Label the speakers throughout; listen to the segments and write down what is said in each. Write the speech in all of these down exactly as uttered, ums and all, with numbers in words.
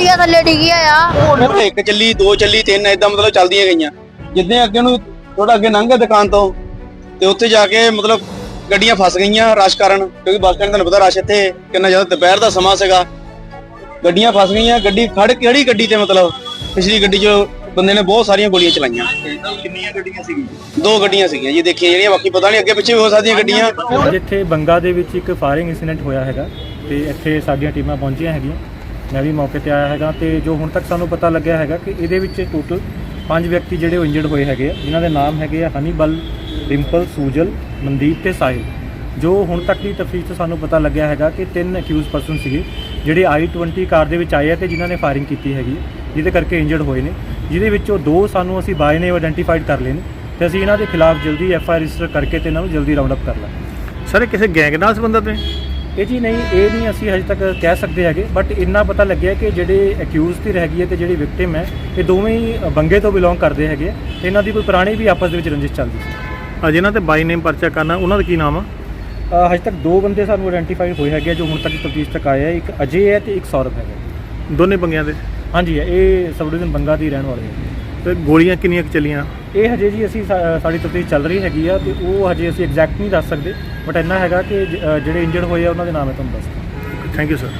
Speaker 1: ਗੱਡੀਆਂ ਥੱਲੇ ਡਿੱਗੀਆਂ ਆ।
Speaker 2: ਇੱਕ ਚੱਲੀ, ਦੋ ਚੱਲੀ, ਤਿੰਨ ਇਦਾਂ ਮਤਲਬ ਚੱਲਦੀਆਂ ਗਈਆਂ। ਜਿੱਦਾਂ ਅੱਗੇ ਨੂੰ ਥੋੜਾ ਅੱਗੇ ਲੰਘ ਗਿਆ ਦੁਕਾਨ ਤੋਂ ਤੇ ਉੱਥੇ ਜਾ ਕੇ ਮਤਲਬ ਗੱਡੀਆਂ ਫਸ ਗਈਆਂ ਰਸ਼ ਕਾਰਨ, ਕਿਉਂਕਿ ਬੱਸ ਸਟੈਂਡ ਤੁਹਾਨੂੰ ਪਤਾ ਰਸ਼ ਇੱਥੇ ਕਿੰਨਾ ਜ਼ਿਆਦਾ, ਦੁਪਹਿਰ ਦਾ ਸਮਾਂ ਸੀਗਾ। ਗੱਡੀਆਂ ਫਸ ਗਈਆਂ। ਗੱਡੀ ਖੜ ਕਿਹੜੀ ਗੱਡੀ ਤੇ ਮਤਲਬ ਪਿਛਲੀ ਗੱਡੀ 'ਚ ਬੰਦੇ ਨੇ ਬਹੁਤ ਸਾਰੀਆਂ ਗੋਲੀਆਂ ਚਲਾਈਆਂ।
Speaker 3: ਕਿੰਨੀਆਂ ਗੱਡੀਆਂ ਸੀਗੀਆਂ?
Speaker 2: ਦੋ ਗੱਡੀਆਂ ਸੀਗੀਆਂ ਜੀ ਦੇਖੀਆਂ ਜਿਹੜੀਆਂ, ਬਾਕੀ ਪਤਾ ਨਹੀਂ ਅੱਗੇ ਪਿੱਛੇ ਵੀ ਹੋ ਸਕਦੀਆਂ ਗੱਡੀਆਂ।
Speaker 4: ਜਿੱਥੇ ਬੰਗਾ ਦੇ ਵਿੱਚ ਇੱਕ ਫਾਇਰਿੰਗ ਇਨਸੀਡੈਂਟ ਹੋਇਆ ਹੈਗਾ ਤੇ ਇੱਥੇ ਸਾਡੀਆਂ ਟੀਮਾਂ ਪਹੁੰਚੀਆਂ ਹੈਗੀਆਂ, ਮੈਂ ਵੀ ਮੌਕੇ ਤੇ ਆਇਆ ਹੈਗਾ ਤੇ ਜੋ ਹੁਣ ਤੱਕ ਸਾਨੂੰ ਪਤਾ ਲੱਗਿਆ ਹੈਗਾ ਕਿ ਇਹਦੇ ਵਿੱਚ ਟੋਟਲ ਪੰਜ ਵਿਅਕਤੀ ਜਿਹੜੇ ਉਹ ਇੰਜਰਡ ਹੋਏ ਹੈਗੇ ਆ, ਜਿਨ੍ਹਾਂ ਦੇ ਨਾਮ ਹੈਗੇ ਆ ਹਨੀਬਲ, ਡਿੰਪਲ, ਸੂਜਲ, ਮਨਦੀਪ ਤੇ ਸਾਹਿਲ। ਜੋ ਹੁਣ ਤੱਕ ਦੀ ਤਫਤੀਸ਼ ਤੋਂ ਸਾਨੂੰ ਪਤਾ ਲੱਗਿਆ ਹੈਗਾ ਕਿ ਤਿੰਨ ਅਕਿਊਜ਼ ਪਰਸਨ ਸੀਗੇ ਜਿਹੜੇ ਆਈ ਟਵੰਟੀ ਕਾਰ ਦੇ ਵਿੱਚ ਆਏ ਆ ਤੇ ਜਿਨ੍ਹਾਂ ਨੇ ਫਾਇਰਿੰਗ ਕੀਤੀ ਹੈਗੀ, ਜਿਹਦੇ ਕਰਕੇ ਇੰਜਰਡ ਹੋਏ ਨੇ, ਜਿਹਦੇ ਵਿੱਚੋਂ ਦੋ ਸਾਨੂੰ ਅਸੀਂ ਬਾਏ ਨੇ ਆਇਡੈਂਟੀਫਾਈਡ ਕਰ ਲਏ ਨੇ ਤੇ ਅਸੀਂ ਇਹਨਾਂ ਦੇ ਖਿਲਾਫ ਜਲਦੀ ਐਫ ਆਈ ਆਰ ਰਜਿਸਟਰ ਕਰਕੇ ਤੇ ਇਹਨਾਂ ਨੂੰ ਜਲਦੀ ਰਾਉਂਡ ਅਪ ਕਰ ਲਾਂਗੇ।
Speaker 5: ਸਰ ਕਿਸੇ ਗੈਂਗ ਨਾਲ ਸੰਬੰਧਿਤ ਨੇ?
Speaker 4: ਇਹ ਜੀ ਨਹੀਂ, ਇਹ ਨਹੀਂ ਅਸੀਂ ਹਜੇ ਤੱਕ ਕਹਿ ਸਕਦੇ ਹੈਗੇ, ਬਟ ਇੰਨਾ ਪਤਾ ਲੱਗਿਆ ਕਿ ਜਿਹੜੇ ਅਕਿਊਜ਼ ਦੀ ਹੈਗੀ ਹੈ ਤੇ ਜਿਹੜੀ ਵਿਕਟਿਮ ਹੈ ਇਹ ਦੋਵੇਂ ਹੀ ਬੰਗੇ ਤੋਂ ਬਿਲੋਂਗ ਕਰਦੇ ਹੈਗੇ ਆ ਤੇ ਇਹਨਾਂ ਦੀ ਕੋਈ ਪੁਰਾਣੀ ਵੀ ਆਪਸ ਦੇ ਵਿੱਚ ਰੰਜਿਸ਼ ਚੱਲਦੀ ਸੀ।
Speaker 5: ਜਿਨ੍ਹਾਂ ਤੇ ਬਾਈ ਨੇਮ ਪਰਚਾ ਕਰਨਾ, ਉਹਨਾਂ ਦਾ ਕੀ ਨਾਮ ਆ?
Speaker 4: ਹਜੇ ਤੱਕ ਦੋ ਬੰਦੇ ਸਾਨੂੰ ਆਇਡੈਂਟੀਫਾਈ ਹੋਏ ਹੈਗੇ ਜੋ ਹੁਣ ਤੱਕ ਤਫਤੀਸ਼ ਤੱਕ ਆਏ ਆ, ਇੱਕ ਅਜੇ ਹੈ ਤੇ ਇੱਕ ਸੌਰਵ ਹੈਗਾ।
Speaker 5: ਦੋਨੇ ਬੰਗਿਆਂ ਦੇ?
Speaker 4: ਹਾਂਜੀ, ਇਹ ਸਬ ਡਿਵੀਜ਼ਨ ਬੰਗਾ ਦੀ ਰਹਿਣ ਵਾਲੇ ਹੈਗੇ।
Speaker 5: ਤੇ ਗੋਲੀਆਂ ਕਿੰਨੀਆਂ ਕੁ ਚੱਲੀਆਂ?
Speaker 4: ਇਹ ਹਜੇ ਜੀ ਅਸੀਂ ਸਾਡੀ ਤਫਤੀਸ਼ ਚੱਲ ਰਹੀ ਹੈਗੀ ਆ ਤੇ ਉਹ ਹਜੇ ਅਸੀਂ ਐਗਜ਼ੈਕਟ ਨਹੀਂ ਦੱਸ ਸਕਦੇ, ਬਟ ਇੰਨਾ ਹੈਗਾ ਕਿ ਜਿਹੜੇ ਇੰਜਰਡ ਹੋਏ ਆ ਉਹਨਾਂ ਦੇ ਨਾਮ ਹੈ ਤੁਹਾਨੂੰ ਦੱਸ।
Speaker 5: Thank you sir.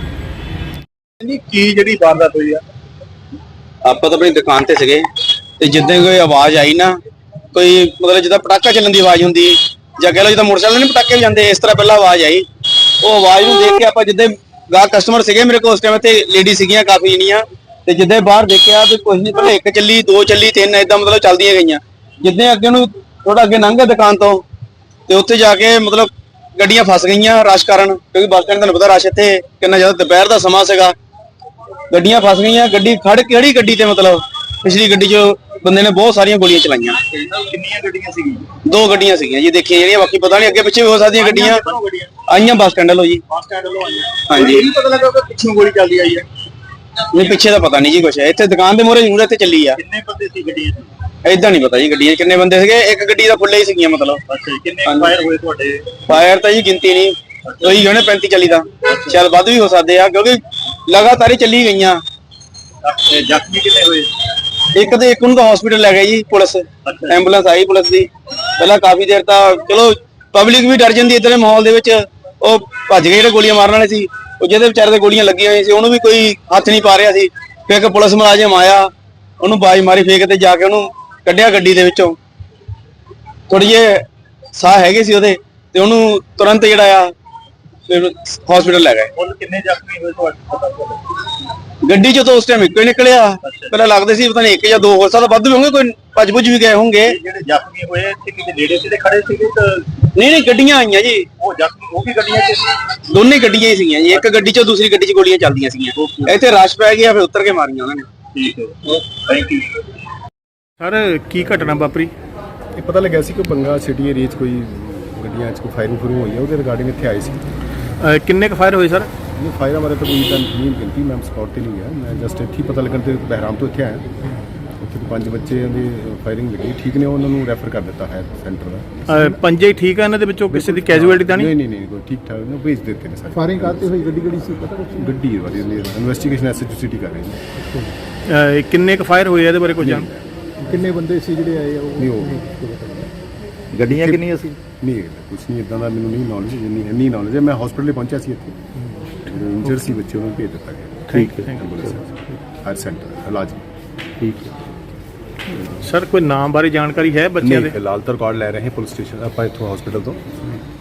Speaker 3: ਕੀ ਜਿਹੜੀ ਵਾਰਦਾਤ ਹੋਈ ਆ?
Speaker 2: ਆਪਾਂ ਤਾਂ ਆਪਣੀ ਦੁਕਾਨ ਤੇ ਸੀਗੇ ਤੇ ਜਿੱਦਾਂ ਕੋਈ ਆਵਾਜ਼ ਆਈ ਨਾ, ਕੋਈ ਮਤਲਬ ਜਿੱਦਾਂ ਪਟਾਕਾ ਚੱਲਣ ਦੀ ਆਵਾਜ਼ ਹੁੰਦੀ ਜਾਂ ਕਹਿ ਲਓ ਜਿੱਦਾਂ ਮੋਟਰਸਾਈਕਲ ਨਹੀਂ ਪਟਾਕੇ ਵੀ ਜਾਂਦੇ, ਇਸ ਤਰ੍ਹਾਂ ਪਹਿਲਾਂ ਆਵਾਜ਼ ਆਈ। ਉਹ ਆਵਾਜ਼ ਨੂੰ ਦੇਖ ਕੇ ਆਪਾਂ ਜਿੱਦਾਂ ਗਾ ਕਸਟਮਰ ਸੀਗੇ ਮੇਰੇ ਕੋਲ ਉਸ ਟਾਈਮ ਤੇ, ਲੇਡੀ ਸੀਗੀਆਂ ਕਾਫੀ ਜਣੀਆਂ, ਤੇ ਜਿੱਦਾਂ ਬਾਹਰ ਦੇਖਿਆ ਤੇ ਕੁਝ ਨਹੀਂ, ਪਹਿਲਾਂ ਇੱਕ ਚੱਲੀ, ਦੋ ਚੱਲੀ, ਤਿੰਨ ਇਦਾਂ ਮਤਲਬ ਚੱਲਦੀਆਂ ਗਈਆਂ। ਜਿੱਦਾਂ ਅੱਗੇ ਨੂੰ ਥੋੜਾ ਅੱਗੇ ਲੰਘ ਗਿਆ ਦੁਕਾਨ ਤੋਂ ਤੇ ਉੱਥੇ ਜਾ ਕੇ ਮਤਲਬ ਗੱਡੀਆਂ ਫਸ ਗਈਆਂ ਰਸ਼ ਕਾਰਨ, ਕਿਉਂਕਿ ਬੱਸ ਸਟੈਂਡ ਤੁਹਾਨੂੰ ਪਤਾ ਰਸ਼ ਇੱਥੇ ਕਿੰਨਾ ਜ਼ਿਆਦਾ, ਦੁਪਹਿਰ ਦਾ ਸਮਾਂ ਸੀਗਾ। ਗੱਡੀਆਂ ਫਸ ਗਈਆਂ। ਗੱਡੀ ਖੜ ਕਿਹੜੀ ਗੱਡੀ ਤੇ ਮਤਲਬ ਪਿਛਲੀ ਗੱਡੀ 'ਚ ਬੰਦੇ ਨੇ ਬਹੁਤ ਸਾਰੀਆਂ ਗੋਲੀਆਂ ਚਲਾਈਆਂ।
Speaker 3: ਕਿੰਨੀਆਂ ਗੱਡੀਆਂ ਸੀਗੀਆਂ?
Speaker 2: ਦੋ ਗੱਡੀਆਂ ਸੀਗੀਆਂ ਜੀ ਦੇਖੀਆਂ ਜਿਹੜੀਆਂ, ਬਾਕੀ ਪਤਾ ਨਹੀਂ ਅੱਗੇ ਪਿੱਛੇ ਵੀ ਹੋ ਸਕਦੀਆਂ ਗੱਡੀਆਂ। ਆਈਆਂ ਬੱਸ ਸਟੈਂਡ ਵੱਲੋਂ ਜੀ।
Speaker 3: ਬੱਸ ਸਟੈਂਡ ਵੱਲੋਂ ਆਈਆਂ?
Speaker 2: ਹਾਂਜੀ।
Speaker 3: ਇਹ ਪਤਾ ਲੱਗਾ ਕਿ ਪਿੱਛੋਂ ਗੋਲੀ ਚੱਲਦੀ ਆਈ ਹੈ?
Speaker 2: ਨਹੀਂ, ਪਿੱਛੇ ਦਾ ਪਤਾ ਨਹੀਂ ਜੀ ਕੁਛ, ਇੱਥੇ ਦੁਕਾਨ ਦੇ ਮੂਹਰੇ ਜ਼ਰੂਰ ਇੱਥੇ ਚੱਲੀ ਆ।
Speaker 3: ਕਿੰਨੇ ਬੰਦੇ ਸੀ ਗੱਡੀਆਂ 'ਚ?
Speaker 2: ਏਦਾਂ ਨਹੀਂ ਪਤਾ ਜੀ ਗੱਡੀਆਂ ਕਿੰਨੇ ਬੰਦੇ ਸੀਗੇ, ਇੱਕ ਗੱਡੀ ਦਾ ਫੁੱਲੇ ਹੀ ਸੀਗੀਆਂ ਮਤਲਬ।
Speaker 3: ਅੱਛਾ, ਕਿੰਨੇ ਫਾਇਰ ਹੋਏ ਤੁਹਾਡੇ?
Speaker 2: ਫਾਇਰ ਤਾਂ ਜੀ ਗਿਣਤੀ ਨਹੀਂ, ਉਹੀ ਹੋਣੇ ਪੈਂਤੀ ਚਾਲੀ ਦਾ, ਚੱਲ ਵੱਧ ਵੀ ਹੋ ਸਕਦੇ ਆ ਕਿਉਂਕਿ ਲਗਾਤਾਰ ਹੀ ਚੱਲੀ ਗਈਆਂ।
Speaker 3: ਜ਼ਖਮੀ ਕਿੰਨੇ ਹੋਏ?
Speaker 2: ਇੱਕ ਤੇ ਇੱਕ ਨੂੰ ਤਾਂ ਹਸਪੀਟਲ ਲੈ ਗਏ ਜੀ ਪੁਲਿਸ, ਐਂਬੂਲੈਂਸ ਆਈ ਪੁਲਿਸ ਦੀ। ਪਹਿਲਾਂ ਕਾਫੀ ਦੇਰ ਤਾਂ ਚਲੋ ਪਬਲਿਕ ਵੀ ਡਰ ਜਾਂਦੀ ਇਦਾਂ ਦੇ ਮਾਹੌਲ ਦੇ ਵਿੱਚ, ਉਹ ਭੱਜ ਗਏ ਜਿਹੜੇ ਗੋਲੀਆਂ ਮਾਰਨ ਵਾਲੇ ਸੀ, ਉਹ ਜਿਹਦੇ ਵਿਚਾਰੇ ਤੇ ਗੋਲੀਆਂ ਲੱਗੀਆਂ ਹੋਈਆਂ ਸੀ ਉਹਨੂੰ ਵੀ ਕੋਈ ਹੱਥ ਨਹੀਂ ਪਾ ਰਿਹਾ ਸੀ। ਫਿਰ ਇੱਕ ਪੁਲਿਸ ਮੁਲਾਜ਼ਮ ਆਇਆ, ਉਹਨੂੰ ਬਾਜ਼ ਮਾਰੀ ਫੇਕ ਤੇ ਜਾ ਕੇ ਉਹਨੂੰ ਕੱਢਿਆ ਗੱਡੀ ਦੇ ਵਿੱਚੋਂ। ਥੋੜੀ ਜਿਹੇ ਸਾਹ ਹੈਗੇ ਸੀ ਉਹਦੇ ਤੇ ਉਹਨੂੰ ਤੁਰੰਤ ਜਿਹੜਾ ਆ ਫਿਰ ਹਸਪੀਟਲ ਲੈ ਗਏ।
Speaker 3: ਕੁੱਲ ਕਿੰਨੇ ਜ਼ਖਮੀ ਹੋਏ ਤੁਹਾਡੇ ਪਤਾ ਚੱਲਿਆ?
Speaker 2: ਗੱਡੀ 'ਚੋਂ ਤਾਂ ਉਸ ਟਾਈਮ ਇੱਕੋ ਹੀ ਨਿਕਲਿਆ। ਪਹਿਲਾਂ ਲੱਗਦੇ ਸੀ ਪਤਾ ਨਹੀਂ ਇੱਕ ਜਾਂ ਦੋ ਹੋ ਸਕਦਾ, ਵੱਧ ਵੀ ਹੋਣਗੇ, ਕੋਈ ਭੱਜ ਭੁੱਜ ਵੀ ਗਏ ਹੋਣਗੇ।
Speaker 3: ਜਿਹੜੇ ਜ਼ਖਮੀ ਹੋਏ ਇੱਥੇ ਕਿਤੇ ਨੇੜੇ ਤੇ ਖੜੇ ਸੀਗੇ ਤਾਂ?
Speaker 2: ਨਹੀਂ ਨਹੀਂ, ਗੱਡੀਆਂ ਆਈਆਂ ਜੀ।
Speaker 3: ਉਹ ਜ਼ਖਮੀ ਉਹ ਵੀ ਗੱਡੀਆਂ 'ਚ ਸੀ?
Speaker 2: ਦੋਨੇ ਗੱਡੀਆਂ ਹੀ ਸੀਗੀਆਂ ਜੀ, ਇੱਕ ਗੱਡੀ 'ਚੋਂ ਦੂਸਰੀ ਗੱਡੀ 'ਚ ਗੋਲੀਆਂ ਚੱਲਦੀਆਂ ਸੀਗੀਆਂ। ਇੱਥੇ ਰਸ਼ ਪੈ ਗਿਆ, ਫਿਰ ਉੱਤਰ ਕੇ ਮਾਰੀਆਂ ਉਹਨਾਂ ਨੇ।
Speaker 3: ਠੀਕ ਹੈ, ਥੈਂਕ ਯੂ
Speaker 5: ਸਰ ਕੀ ਘਟਨਾ ਵਾਪਰੀ?
Speaker 6: ਇਹ ਪਤਾ ਲੱਗਿਆ ਸੀ ਕਿ ਬੰਗਾ ਸਿਟੀ ਏਰੀਆ 'ਚ ਕੋਈ ਗੱਡੀਆਂ 'ਚ ਕੋਈ ਫਾਇਰਿੰਗ ਫੁਰਿੰਗ ਹੋਈ ਹੈ, ਉਹਦੇ ਰਿਗਾਰਡਿੰਗ ਇੱਥੇ ਆਏ ਸੀ।
Speaker 5: ਅਹ ਕਿੰਨੇ ਕੁ ਫਾਇਰ ਹੋਏ ਸਰ?
Speaker 6: ਇਹ ਫਾਇਰਾਂ ਬਾਰੇ ਤਾਂ ਕੋਈ ਤਾਂ ਨਹੀਂ ਗਿਣਤੀ, ਮੈਂ ਸਪੌਟ ਤੇ ਨਹੀਂ ਗਿਆ, ਮੈਂ ਜਸਟ ਇੱਥੇ ਹੀ ਪਤਾ ਲੱਗਣ ਤੇ ਬਹਿਰਾਮ ਤੋਂ ਇੱਥੇ ਆਇਆ। ਉੱਥੇ ਪੰਜ ਬੱਚੇ ਦੀ ਫਾਇਰਿੰਗ ਲੱਗੀ, ਠੀਕ ਨੇ, ਉਹਨਾਂ ਨੂੰ ਰੈਫਰ ਕਰ ਦਿੱਤਾ ਹੈ ਸੈਂਟਰ ਦਾ।
Speaker 5: ਅਹ ਪੰਜੇ ਹੀ ਠੀਕ ਆ, ਇਹਨਾਂ ਦੇ ਵਿੱਚੋਂ ਕਿਸੇ ਦੀ ਕੈਜੂਅਲਟੀ ਤਾਂ
Speaker 6: ਨਹੀਂ
Speaker 5: ਨਹੀਂ?
Speaker 6: ਨਹੀਂ ਨਹੀਂ, ਕੋਈ ਠੀਕ ਠਾਕ ਨੇ, ਭੇਜ ਦਿੱਤੇ ਨੇ ਸਾਰੇ।
Speaker 7: ਫਾਇਰਿੰਗ ਕਰਤੇ ਹੋਈ ਗੱਡੀ ਕਿਹੜੀ ਸੀ ਪਤਾ ਕੁਛ?
Speaker 6: ਗੱਡੀ ਵਾਲੀ investigation S H O city ਕਰ ਰਹੀ ਹੈ।
Speaker 5: ਅਹ ਕਿੰਨੇ ਕੁ ਫਾਇਰ ਹੋਏ ਆ, ਇਹਦੇ ਬਾਰੇ ਕੁਝ ਜਾਣ?
Speaker 7: ਕਿੰਨੇ ਬੰਦੇ ਸੀ ਜਿਹੜੇ ਆਏ ਆ ਉਹ?
Speaker 6: ਨਹੀਂ ਉਹ
Speaker 7: ਗੱਡੀਆਂ ਕਿੰਨੀਆਂ ਸੀ?
Speaker 6: ਨਹੀਂ ਕੁਝ ਨਹੀਂ ਇਦਾਂ ਦਾ ਮੈਨੂੰ ਨਹੀਂ ਨੌਲੇਜ, ਜਿੰਨੀ ਇੰਨੀ ਨੌਲੇਜ ਹੈ। ਮੈਂ ਹਸਪੀਟਲ ਪਹੁੰਚਿਆ ਸੀ, ਇੱਥੇ ਇੰਜਰ ਸੀ ਬੱਚੇ, ਉਹਨੂੰ ਭੇਜ ਦਿੱਤਾ ਗਿਆ।
Speaker 5: ਠੀਕ ਹੈ,
Speaker 6: ਹਰ ਸੈਂਟਰ ਇਲਾਜ।
Speaker 5: ਠੀਕ ਹੈ ਸਰ। ਕੋਈ ਨਾਮ ਬਾਰੇ ਜਾਣਕਾਰੀ ਹੈ ਬੱਚਿਆਂ ਦੇ?
Speaker 6: ਫਿਲਹਾਲ ਤਾਂ ਰਿਕਾਰਡ ਲੈ ਰਹੇ ਹਾਂ ਪੁਲਿਸ ਸਟੇਸ਼ਨ, ਆਪਾਂ ਇੱਥੋਂ ਹਸਪੀਟਲ ਤੋਂ।